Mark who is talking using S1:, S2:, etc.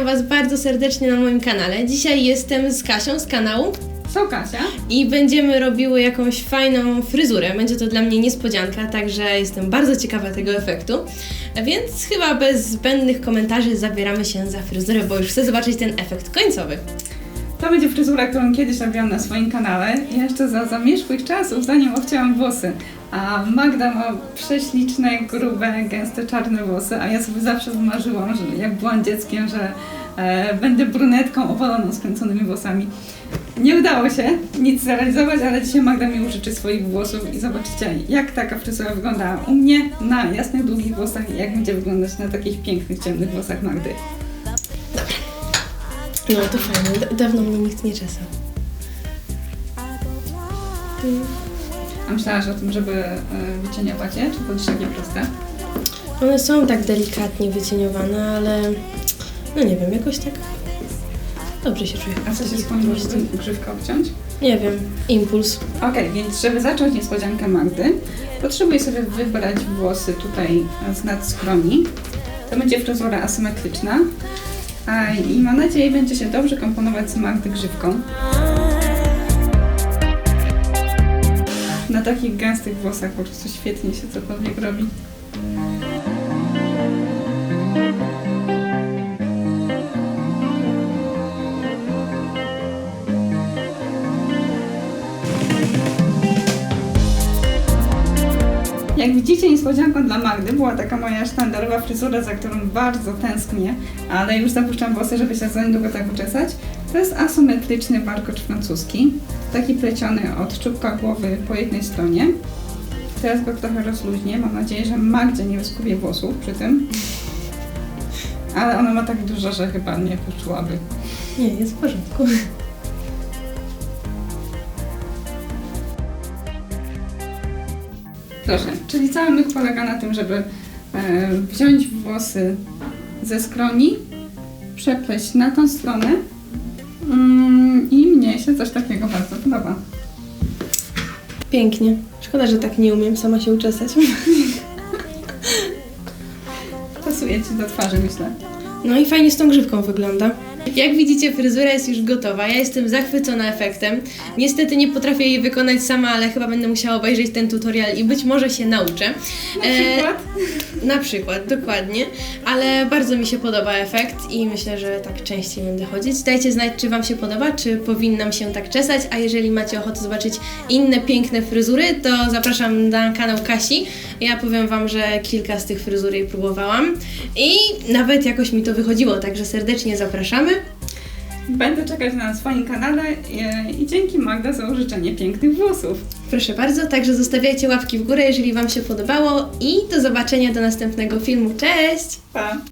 S1: Was bardzo serdecznie na moim kanale. Dzisiaj jestem z Kasią z kanału
S2: Co Kasia?
S1: i będziemy robiły jakąś fajną fryzurę. Będzie to dla mnie niespodzianka, także jestem bardzo ciekawa tego efektu. Więc chyba bez zbędnych komentarzy zabieramy się za fryzurę, bo już chcę zobaczyć ten efekt końcowy.
S2: To będzie fryzura, którą kiedyś robiłam na swoim kanale, jeszcze za zamierzchłych czasów, zanim obcięłam włosy. A Magda ma prześliczne, grube, gęste, czarne włosy, a ja sobie zawsze wymarzyłam, że jak byłam dzieckiem, że będę brunetką opaloną skręconymi włosami. Nie udało się nic zrealizować, ale dzisiaj Magda mi użyczy swoich włosów i zobaczycie, jak taka fryzura wygląda u mnie na jasnych, długich włosach i jak będzie wyglądać na takich pięknych, ciemnych włosach Magdy.
S1: No to fajnie, dawno mnie nikt nie czesał.
S2: A myślałaś o tym, żeby wycieniować je, czy to jest takie proste?
S1: One są tak delikatnie wycieniowane, ale no nie wiem, jakoś tak dobrze się czuję.
S2: A co się skłoniło, żeby grzywkę obciąć?
S1: Nie wiem, impuls.
S2: Okej, więc żeby zacząć niespodziankę Magdy, potrzebuję sobie wybrać włosy tutaj z nad skroni. To będzie fryzura asymetryczna. I mam nadzieję, będzie się dobrze komponować z Magdy grzywką. Na takich gęstych włosach po prostu świetnie się cokolwiek robi. Jak widzicie, niespodzianką dla Magdy była taka moja sztandarowa fryzura, za którą bardzo tęsknię, ale już zapuszczam włosy, żeby się za niedługo tak uczesać. To jest asymetryczny warkocz francuski, taki pleciony od czubka głowy po jednej stronie. Teraz go trochę rozluźnię, mam nadzieję, że Magdzie nie wyskubie włosów przy tym. Ale ona ma tak dużo, że chyba nie poczułaby.
S1: Nie, jest w porządku.
S2: Proszę, czyli cały myk polega na tym, żeby wziąć włosy ze skroni, przepleść na tą stronę i mnie się coś takiego bardzo podoba.
S1: Pięknie. Szkoda, że tak nie umiem sama się uczesać.
S2: Pasuje Ci do twarzy, myślę.
S1: No i fajnie z tą grzywką wygląda. Jak widzicie, fryzura jest już gotowa. Ja jestem zachwycona efektem. Niestety nie potrafię jej wykonać sama, ale chyba będę musiała obejrzeć ten tutorial i być może się nauczę. Na przykład, dokładnie. Ale bardzo mi się podoba efekt i myślę, że tak częściej będę chodzić. Dajcie znać, czy Wam się podoba, czy powinnam się tak czesać, a jeżeli macie ochotę zobaczyć inne piękne fryzury, to zapraszam na kanał Kasi. Ja powiem Wam, że kilka z tych fryzur jej próbowałam i nawet jakoś mi to wychodziło, także serdecznie zapraszamy.
S2: Będę czekać na swoim kanale i dzięki Magda za użyczenie pięknych włosów.
S1: Proszę bardzo, także zostawiajcie łapki w górę, jeżeli Wam się podobało i do zobaczenia do następnego filmu. Cześć!
S2: Pa!